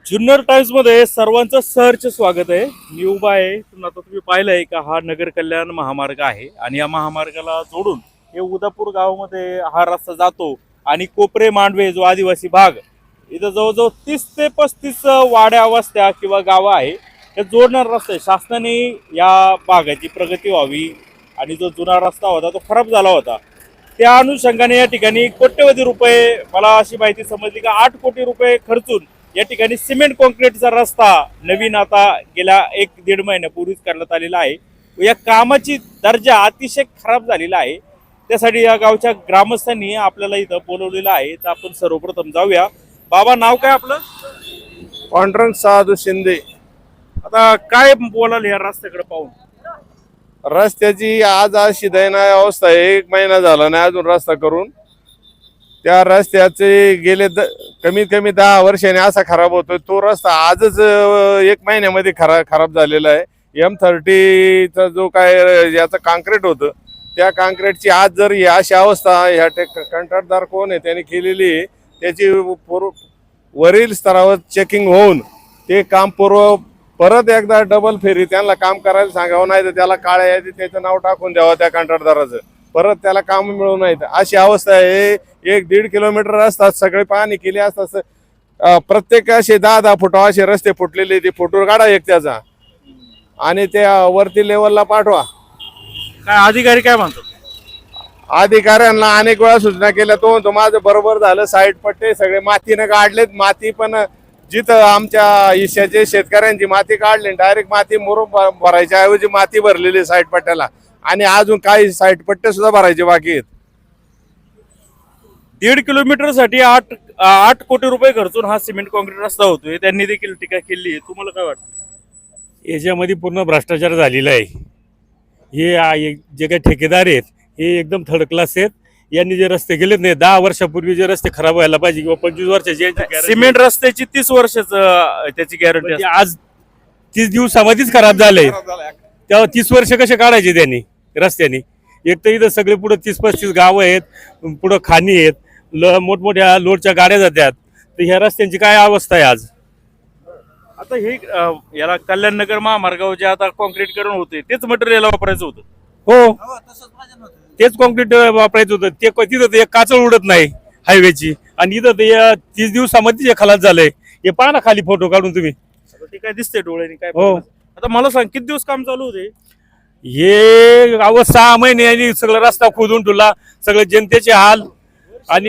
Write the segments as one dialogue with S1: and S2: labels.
S1: Junnar times मध्ये सर्वांचं सहर्ष स्वागत आहे. मी उभा आहे. आता तुम्ही पाहिलंय का हा नगर कल्याण महामार्ग आहे आणि या महामार्गाला जोडून हे उदापूर गावामध्ये हा रस्ता जातो आणि कोपरे मांडवे जो आदिवासी भाग इथं जवळजवळ 30 ते 35 वाड्या वस्त्या किंवा गावं आहे हे जोडणार रस्ता आहे. शासनाने या भागाची प्रगती व्हावी आणि जो जुना रस्ता होता तो खराब झाला होता त्या अनुषंगाने या ठिकाणी कोट्यवधी रुपये, मला अशी माहिती समजली का 8 कोटी रुपये खर्चून या ठिकाणी सिमेंट कॉन्क्रीटचा रस्ता नवीन आता गेल्या 1-1.5 महिन्यापूर्वीच करण्यात आलेला आहे. या कामाची दर्जा अतिशय खराब झालेला आहे. त्यासाठी या गावच्या ग्रामस्थांनी आपल्याला इथं बोलवलेलं आहे. तर आपण सर्वप्रथम जाऊया. बाबा, नाव काय आपलं?
S2: पांडुरंग साधू शिंदे.
S1: आता काय बोलाल या रस्त्याकडे पाहून?
S2: रस्त्याची आज अशी दयनीय अवस्था आहे. 1 महिना झाला नाही अजून रस्ता करून. त्या रस्त्याचे गेले कमीत कमी 10 वर्षांनी असा खराब होतोय. तो रस्ता आजच 1 महिन्यामध्ये खराब झालेला आहे. M30चा जो काय याचं काँक्रीट होतं त्या काँक्रीटची आज जर ही अशी अवस्था ह्या कंत्राटदार कोण आहे त्याने केलेली आहे, त्याची वरील स्तरावर चेकिंग होऊन ते काम परत एकदा डबल फेरी त्यांना काम करायला सांगावं, नाही तर त्याला काळ्या यादीत त्याचं नाव टाकून द्यावं त्या कंत्राटदाराचं, परत त्याला काम मिळू नये. अशी अवस्था आहे. 1-1.5 किलोमीटर रस्ता सगळे पाहणी केली असतात. प्रत्येक असे 10-10 फुट असे रस्ते फुटलेले, ते फोटो काढा एक त्याचा आणि त्या वरती लेवलला पाठवा.
S1: काय अधिकारी काय म्हणतात?
S2: अधिकाऱ्यांना अनेक वेळा सूचना केल्या. तो म्हणतो माझं बरोबर झालं, साईड पट्टे सगळे मातीनं काढलेत. माती पण जिथं आमच्या ईशाचे शेतकऱ्यांची माती काढली, डायरेक्ट माती मुरुम भरायच्या ऐवजी माती भरलेली साईड पट्ट्याला आणि अजून काही साईड पट्टे सुद्धा भरायचे बाकी आहेत.
S1: 1.5 किलोमीटर साठी 8 कोटी रुपये खर्चून हा सिमेंट कॉन्क्रीट रस्ता होतोय. त्यांनी देखील टीका केली आहे. तुम्हाला काय वाटतं?
S3: याच्यामध्ये पूर्ण भ्रष्टाचार झालेला आहे. हे जे काही ठेकेदार आहेत हे एकदम थर्ड क्लास आहेत. यांनी जे रस्ते केलेत नाही, 10 वर्षापूर्वी जे रस्ते खराब व्हायला पाहिजे किंवा 25 वर्षाची
S1: सिमेंट रस्त्याची 30 वर्षाचं त्याची गॅरंटी
S3: म्हणजे आज 30 दिवसामध्येच खराब झालंय. तेव्हा 30 वर्ष कसे काढायचे त्यांनी रस्त्याने? एक तर इथं सगळे पुढे 30-35 गावं आहेत, पुढं खाणी आहेत, मोठमोठ्या लोडच्या गाड्या जातात. तर ह्या रस्त्यांची काय अवस्था आहे आज?
S1: आता हे याला कल्याण नगर महामार्गावर जे आता कॉन्क्रीटकरण होते तेच मटेरियल वापरायचं होतं.
S3: हो, तेच कॉन्क्रीट वापरायचं होतं. ते तिथं ते एक काचळ उडत नाही हायवेची आणि इथं ते 30 दिवसामध्ये जे खलास झालंय. हे पहा ना खाली फोटो काढून तुम्ही.
S1: ते काय दिसतंय डोळ्याने काय?
S3: हो.
S1: आता मला सांग, किती दिवस काम चालू होते?
S3: हे 6 महिने आणि सगळं रस्ता खोदून ठेवला, सगळे जनतेचे हाल. आणि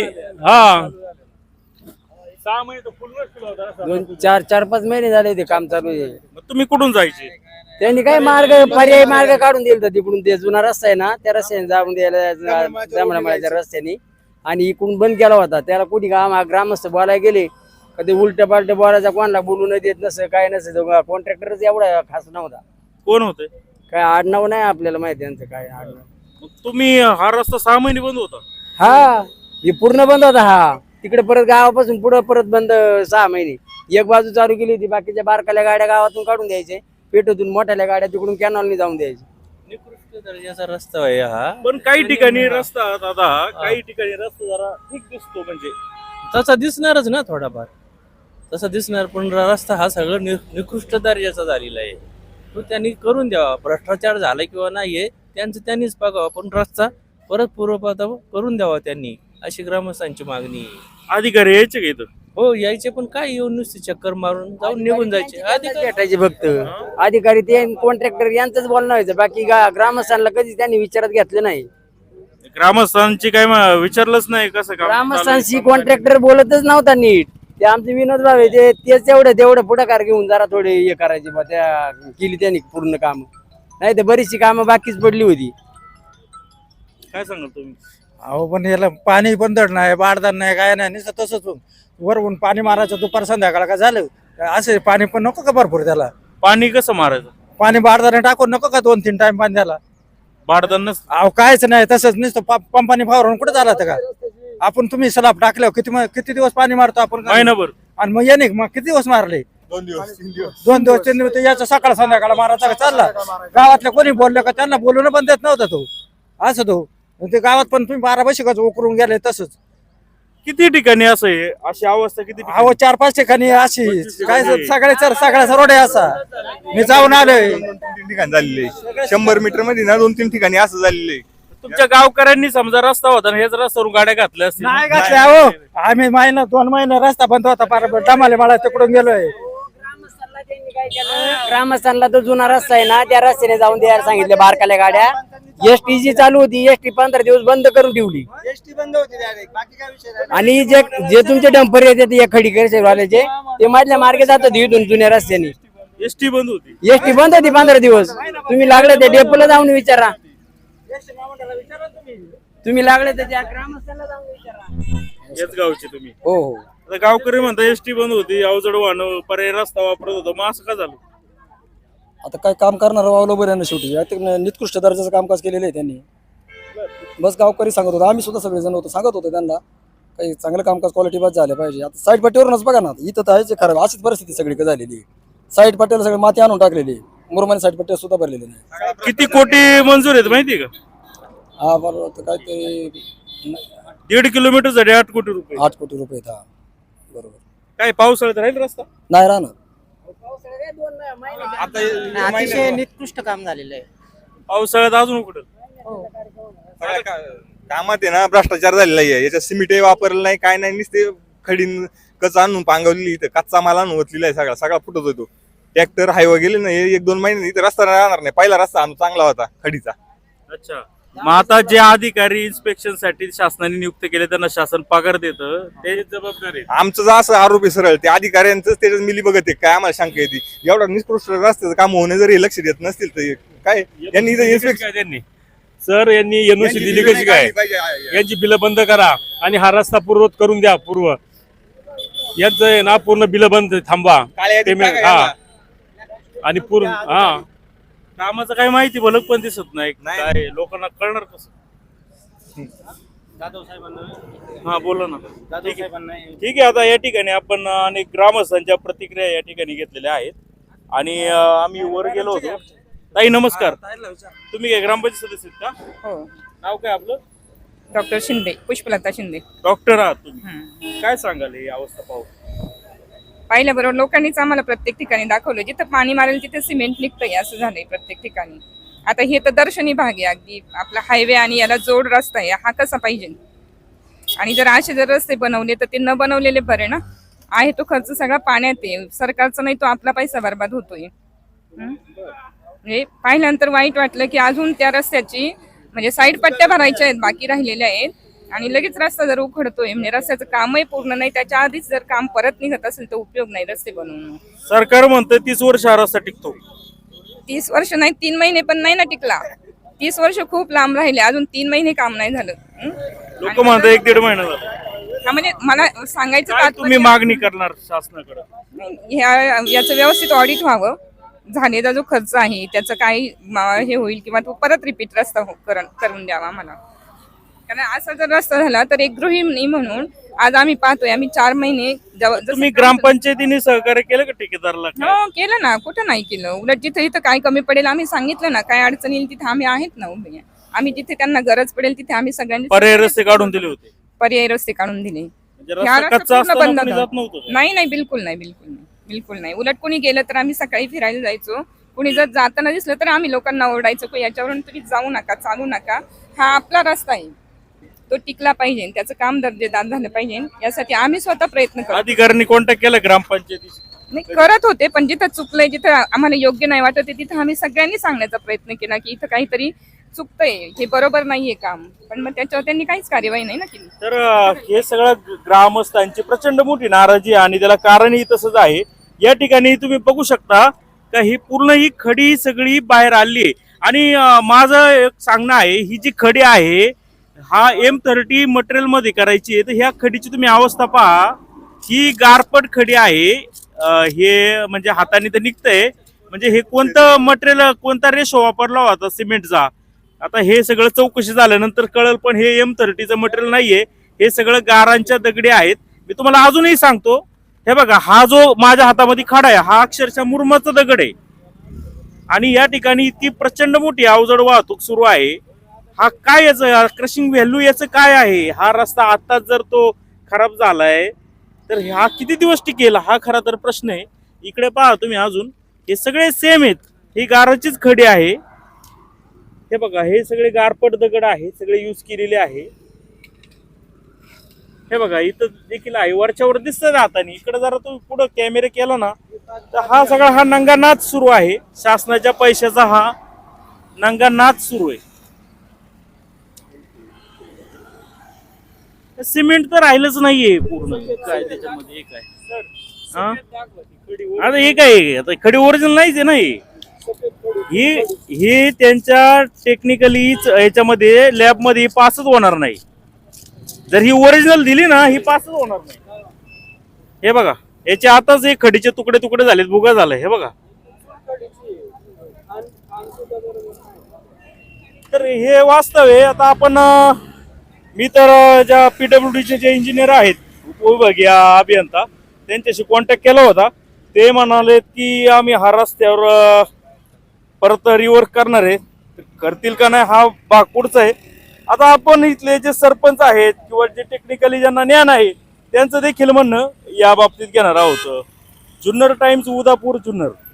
S3: 6 महिने तर फुलच केला होता रस्ता.
S4: 4-5 महिने झाले ते काम चालू आहे.
S1: मग तुम्ही कुठून जायचे?
S4: त्यांनी काय पर्यायी मार्ग काढून दिला तिकडून. ते जुना रस्ता आहे ना, त्या रस्त्याने जाऊन द्यायला ब्राह्मणामाळ्याच्या रस्त्याने, आणि इकडून बंद केला होता. त्याला कुठे ग्रामस्थ बोलायला गेले कधी उलट्या पालट्या बोलायचा, कोणाला बोलू न देत नसं काय नसं. कॉन्ट्रॅक्टरच एवढा खास नव्हता.
S1: कोण होते?
S4: काय आडनाव नाही आपल्याला माहिती त्यांचं काय आडनाव.
S1: मग तुम्ही हा रस्ता 6 महिने बंद होता?
S4: हा, हे पूर्ण बंद होता. हा तिकडे परत गावापासून पुढे परत बंद 6 महिने. एक बाजू चालू केली होती, बाकीच्या बारकाल्या गाड्या गावातून काढून द्यायचे, पेटोतून मोठ्याल्या गाड्या तिकडून कॅनॉलनी जाऊन द्यायचे.
S5: निकृष्ट दर्जाचा रस्ता आहे हा.
S1: पण काही ठिकाणी रस्ता दादा, काही ठिकाणी रस्ता जरा ठीक दिसतो. म्हणजे
S5: तसा दिसणारच ना, थोडाफार तसा दिसणार. पण रस्ता हा सगळं निकृष्ट दर्जाचा झालेला आहे. तो त्यांनी करून द्यावा. भ्रष्टाचार झाला किंवा नाहीये त्यांचं त्यांनीच बघावं, पण रस्ता परत पूर्वपदावर करून द्यावा त्यांनी, अशी ग्रामस्थांची मागणी आहे.
S1: अधिकारी यायचे का इथं?
S5: हो, यायचे, पण काय येऊन नुसते चक्कर मारून जाऊन निघून जायचे. अधिकारी
S4: भेटायचे फक्त. अधिकारी ते कॉन्ट्रॅक्टर यांचंच बोलणं व्हायचं, बाकी ग्रामस्थांना कधी त्यांनी विचारात घेतलं नाही.
S1: ग्रामस्थांची काय विचारलंच नाही कसं काम
S4: ग्रामस्थांशी कॉन्ट्रॅक्टर बोलतच नव्हता नीट. ते आमचे विनोद भाऊ आहे, तेच तेवढं पुढाकार घेऊन जरा थोडे हे करायचे बा. त्या केली त्यांनी पूर्ण काम, नाही तर बरीचशी कामं बाकीच पडली होती.
S1: काय सांगाल तुम्ही?
S6: अहो, पण याला पाणी पण धड नाही, बारदार नाही, काय नाही, नुसतं तसंच वरवून पाणी मारायचं. दुपार संध्याकाळ का झालं असे पाणी पण नको का भरपूर त्याला?
S1: पाणी कसं मारायचं?
S6: पाणी बारदाने टाकून नको का 2-3 टाइम पाणी द्याला?
S1: भाडदानच
S6: अहो, कायच नाही, तसंच नुसतं पंपाने फावरून कुठं झाला का? आपण तुम्ही सलाब टाकल्यावर किती दिवस पाणी मारतो आपण?
S1: महिनाभर.
S6: आणि मग याने मग किती दिवस मारले? 2 दिवस 3 दिवस. याचं सकाळ संध्याकाळ मारायचा का चालला? गावातल्या कोणी बोललं का त्यांना बोलून पण देत नव्हता तो. असं तो ते गावात पण तुम्ही 12 बशिकाच उकरून गेले तसंच.
S1: किती ठिकाणी असं आहे, अशी अवस्था किती ठिकाणी?
S6: अहो 4-5 ठिकाणी अशी काय सगळ्या रोड आहे असा. मी जाऊन आलोय.
S7: 2-3 ठिकाणी झालेले 100 मीटर मध्ये ना 2-3 ठिकाणी असं झालेलं आहे.
S1: तुमच्या गावकऱ्यांनी समजा रस्ता होता ना, हेच रस्त्यावरून गाड्या घातल्या असतील.
S6: नाही घातल्या हो. आम्ही 2 महिने रस्ता बंद होता. डमाले मला तिकडून गेलोय.
S4: ग्रामस्थांना तो जुना रस्ता आहे ना, त्या रस्त्याने जाऊन द्यायला सांगितले बारकाल्या गाड्या. एसटी जी चालू होती, एसटी 15 दिवस बंद करून ठेवली. आणि जे तुमचे डंपर येतात या खडीकर वाल्याचे, ते मधल्या मार्गे जातात इथून जुन्या रस्त्याने.
S1: एसटी बंद होती.
S4: एसटी बंद होती 15 दिवस. तुम्ही लागले ते डेपोला जाऊन विचारा. तुम्ही लागले तर त्या ग्रामस्थांना जाऊन विचारा.
S1: याच गावचे तुम्ही?
S4: हो हो.
S1: आता गावकरी म्हणता एसटी बंद होती, अवजड वाहन पर्याय रस्ता वापरत होतो, मग असं का झालं?
S8: आता काय काम करणार बरोबर आहे ना, शेवटी आता निकृष्ट दर्जाचं कामकाज केलेलं आहे त्यांनी. बस गावकरी सांगत होतो, आम्ही सुद्धा सगळेजण होतो, सांगत होतो त्यांना काही चांगलं कामकाज क्वालिटी बस झालं पाहिजे. आता साईड पट्टीवरूनच बघा ना, इथं तर आहेच खराब. अशीच परिस्थिती सगळी झालेली आहे. साईड पट्टीला सगळी माती आणून टाकलेली आहे. मुरमाने साईड पट्टी सुद्धा भरलेली नाही.
S1: किती कोटी मंजूर आहेत माहितीये का?
S8: हा बरोबर. काय ते
S1: 1.5 किलोमीटरसाठी 8 कोटी रुपये.
S8: 8 कोटी रुपये. हा बरोबर.
S1: काय पावसाळ्यात राहील रस्ता?
S8: नाही राहणार.
S9: अतिशय निकृष्ट काम झालेलं आहे.
S1: पावसाळ्यात अजून कुठं?
S7: कामात आहे ना भ्रष्टाचार झालेला आहे. याच्यात सिमेंटही वापरलं नाही, काय नाही, नुसते खडीन कच आणून पांगवलेली, इथं कच्चा माल आणून ओतलेला आहे. सगळा फुटत होतो. ट्रॅक्टर हायवे गेले ना, 1-2 महिने इथं रस्ता राहणार नाही. पहिला रस्ता आणून चांगला होता खडीचा.
S1: अच्छा. मग आता जे अधिकारी इन्स्पेक्शन साठी शासनाने नियुक्त केले त्यांना शासन पगार देतं, ते जबाबदारी आहे.
S7: आमचं जर असं आरोप आहे सरळ, ते अधिकाऱ्यांचं त्याच्यात मिली बघत आहे. काय आम्हाला शंका येते, एवढा निकृष्ट रस्त्याचं काम होणे जर हे लक्ष देत नसतील तर काय यांनी इथं इन्स्पेक्शन
S3: त्यांनी सर यांनी एनओसी दिली कशी काय? यांची बिलं बंद करा आणि हा रस्ता पूर्वत करून द्या. यांचं आहे ना पूर्ण बिलं बंद थांबवा. पेमेंट हा आणि पूर्ण हा
S1: कामाचं काय माहिती भलक पण दिसत नाही. काय लोकांना कळणार कसं? हा बोला ना. ठीक आहे. आता या ठिकाणी आपण अनेक ग्रामस्थांच्या प्रतिक्रिया या ठिकाणी घेतलेल्या आहेत आणि आम्ही वर गेलो होतो. ताई नमस्कार. तुम्ही काय ग्रामपंचायत सदस्य आहेत का?
S10: हो.
S1: नाव काय आपलं?
S10: डॉक्टर शिंदे, पुष्पलता शिंदे.
S1: डॉक्टर आहात तुम्ही, काय सांगाल ही अवस्था पाहू?
S10: पाहिल्याबरोबर लोकांनीच आम्हाला प्रत्येक ठिकाणी दाखवलं, जिथं पाणी मारेल तिथे सिमेंट निघतंय असं झालंय प्रत्येक ठिकाणी. आता हे तर दर्शनी भाग आहे, अगदी आपला हायवे आणि याला जोड रस्ता आहे, हा कसा पाहिजे? आणि जर असे जर रस्ते बनवले तर ते न बनवलेले बरे ना. आहे तो खर्च सगळा पाण्यात आहे, सरकारचा नाही तो आपला पैसा बर्बाद होतोय. म्हणजे पाहिल्यानंतर वाईट वाटलं की अजून त्या रस्त्याची म्हणजे साईड पट्ट्या भरायच्या आहेत, बाकी राहिलेल्या आहेत, आणि लगेच रस्ता जर उखडतोय म्हणजे रस्त्याचं कामही पूर्ण नाही, त्याच्या आधीच जर काम परत निघत असेल तर उपयोग नाही रस्ते बनवणं.
S1: सरकार म्हणतं 30 वर्ष हा रस्ता टिकतो.
S10: 30 वर्ष नाही, 3 महिने पण नाही ना टिकला. 30 वर्ष खूप लांब राहिले, अजून 3 महिने काम नाही झालं.
S1: लोक म्हणतात 1-1.5 महिना झाला.
S10: हा म्हणजे मला सांगायचं
S1: काय तुम्ही मागणी करणार शासनाकडे?
S10: याचं व्यवस्थित ऑडिट व्हावं, झालेला जो खर्च आहे त्याचं काही हे होईल किंवा तो परत रिपीट रस्ता करून द्यावा मला. कारण असा जर रस्ता झाला तर एक गृहिणी म्हणून आज आम्ही पाहतोय, आम्ही 4 महिने
S1: तुम्ही ग्रामपंचायतीने सहकार्य केलं का ठेकेदारला?
S10: हो केलं ना, कुठं नाही केलं. उलट जिथे इथं काय कमी पडेल आम्ही सांगितलं ना, काय अडचण येईल तिथे आम्ही आहेत ना उभे. आम्ही जिथे त्यांना गरज पडेल तिथे आम्ही सगळ्यांनी
S1: पर्याय रस्ते काढून दिले होते.
S10: पर्यायी रस्ते काढून दिले.
S1: म्हणजे रस्ता कच्चा असताना कोणी जात नव्हतं?
S10: नाही नाही, बिलकुल नाही, बिलकुल नाही, बिलकुल नाही. उलट कोणी गेलं तर आम्ही सकाळी फिरायला जायचो. कुणी जर जाताना दिसलं तर आम्ही लोकांना ओरडायचो की याच्यावरून तुम्ही जाऊ नका, चालू नका, हा आपला रस्ता आहे, तो टिकला पाहिजे, त्याचं काम दर्जेदार झालं पाहिजे, यासाठी आम्ही स्वतः प्रयत्न करतो.
S1: अधिकाऱ्यांनी कॉन्टॅक्ट केला ग्रामपंचायतीशी?
S10: नाही करत होते, पण जिथं चुकलंय, जिथं आम्हाला योग्य नाही वाटत तिथं आम्ही सगळ्यांनी सांगण्याचा प्रयत्न केला की इथं काहीतरी चुकतंय, हे बरोबर नाहीये काम, पण मग त्याच्यावर त्यांनी काहीच कार्यवाही नाही ना केली.
S1: तर हे सगळं ग्रामस्थांची प्रचंड मोठी नाराजी आहे आणि त्याला कारणही तसंच आहे. या ठिकाणी तुम्ही बघू शकता का ही पूर्ण ही खडी सगळी बाहेर आली आहे. आणि माझं एक सांगणं आहे, ही जी खडी आहे हा M30 मटेरियल मध्ये करायची आहे, तर ह्या खडीची तुम्ही अवस्था पहा. ही गारपट खडी आहे, हे म्हणजे हाताने तर निघतंय. म्हणजे हे कोणतं मटेरियल, कोणता रेशो वापरला होता सिमेंटचा, आता हे सगळं चौकशी झाल्यानंतर कळलं, पण हे M30चं मटेरियल नाहीये, हे सगळं गारांच्या दगडी आहेत. मी तुम्हाला अजूनही सांगतो, हे बघा, हा जो माझ्या हातामध्ये खडा आहे हा अक्षरशः मुरमाचा दगड आहे. आणि या ठिकाणी इतकी प्रचंड मोठी अवजड वाहतूक सुरू आहे. हा काय याचं क्रशिंग व्हॅल्यू याचं काय आहे? हा रस्ता आता जर तो खराब झालाय तर हा किती दिवस टिकेल हा खरा तर प्रश्न आहे. इकडे पहा तुम्ही अजून हे सगळे सेम आहेत. ही गाराचीच खडी आहे. हे बघा हे सगळे गारपट दगड आहे, सगळे यूज केलेले आहे. हे बघा इथं देखील आहे, वरच्यावर दिसतं हाताने. इकडे जरा तुम्ही पुढं कॅमेरा केला ना तर हा सगळा हा नंगा नाच सुरू आहे. शासनाच्या पैशाचा हा नंगा नाच सुरू आहे. सिमेंट तर राहिलंच नाहीये पूर्ण. काय त्याच्यामध्ये काय हा? आता हे काय आता खडी ओरिजिनल नाहीच आहे ना. ही त्यांच्या टेक्निकलीच याच्यामध्ये लॅबमध्ये पासच होणार नाही. जर ही ओरिजिनल दिली ना ही पासच होणार नाही. हे बघा याच्या आताच हे खडीचे तुकडे तुकडे झालेत, भुगा झालाय. हे बघा तर हे वास्तव आहे. आता आपण मी तर ज्या PWDचे जे इंजिनियर आहेत, उपविभागीय अभियंता, त्यांच्याशी कॉन्टॅक्ट केला होता. ते म्हणाले की आम्ही हा रस्त्यावर परत रिवर्क करणार आहे. करतील का नाही हा भाग पुढचा आहे. आता आपण इथले जे सरपंच आहेत किंवा जे टेक्निकली ज्यांना ज्ञान आहे त्यांचं देखील म्हणणं या बाबतीत घेणार आहोत. जुन्नर टाइम्स, उदापूर, जुन्नर.